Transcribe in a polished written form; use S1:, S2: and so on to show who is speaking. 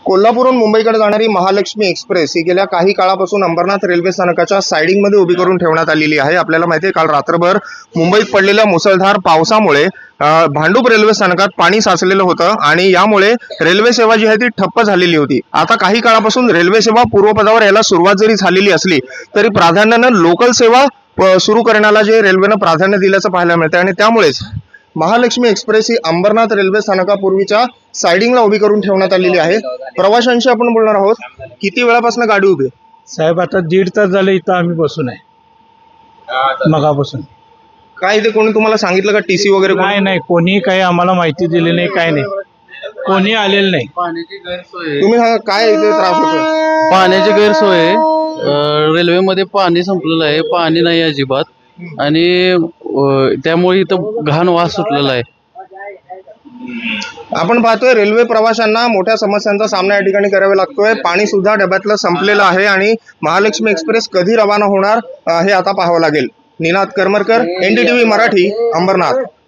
S1: कोल्हापूरहून मुंबईकडे जाणारी महालक्ष्मी एक्सप्रेस ही गेल्या काही काळापासून अंबरनाथ रेल्वे स्थानकाच्या साइडिंगमध्ये उभी करून ठेवण्यात आलेली आहे। आपल्याला माहिती आहे काल रात्रभर मुंबईत पडलेल्या मुसळधार पावसामुळे भांडूप रेल्वे स्थानकात पाणी साचलेलं होतं आणि यामुळे रेल्वे सेवा जी आहे ती ठप्प झालेली होती। आता काही काळापासून रेल्वे सेवा पूर्वपदावर यायला सुरुवात जरी झालेली असली तरी प्राधान्यानं लोकल सेवा सुरू करण्याला जे रेल्वेनं प्राधान्य दिल्याचं पाहायला मिळतं आणि त्यामुळेच महालक्ष्मी एक्सप्रेस ही अंबरनाथ रेल्वे स्थानकापूर्वीच्या साइडिंगला उभी करून ठेवण्यात आलेली आहे। प्रवाशांशी आपण बोलणार आहोत। किती वेळापासून गाडी उभी आहे?
S2: साहेब आता 1.5 तास झाले इथं आम्ही बसून आहे मगापासून।
S1: काय इथे कोणी तुम्हाला सांगितलं का टीसी वगैरे कोणी?
S2: नाही कोणी काही आम्हाला माहिती दिली नाही, काय नाही, कोणी आलेलं नाही।
S3: पाण्याची गैरसोय
S1: तुम्ही सांगा काय इथे त्रास होतोय?
S3: पाण्याची गैरसोय आहे। रेल्वेमध्ये पाणी संपलेलं आहे, पाणी नाही अजिबात, आणि त्यामुळे इथं घाण वास सुटलेला आहे।
S1: आपण पाहतोय रेल्वे प्रवाशांना मोठ्या समस्यांचा सामना या ठिकाणी करावा लागतोय। पाणी सुद्धा डब्यातलं संपलेलं आहे आणि महालक्ष्मी एक्सप्रेस कधी रवाना होणार हे आता पाहावं लागेल। निनाद करमरकर, NDTV मराठी, अंबरनाथ।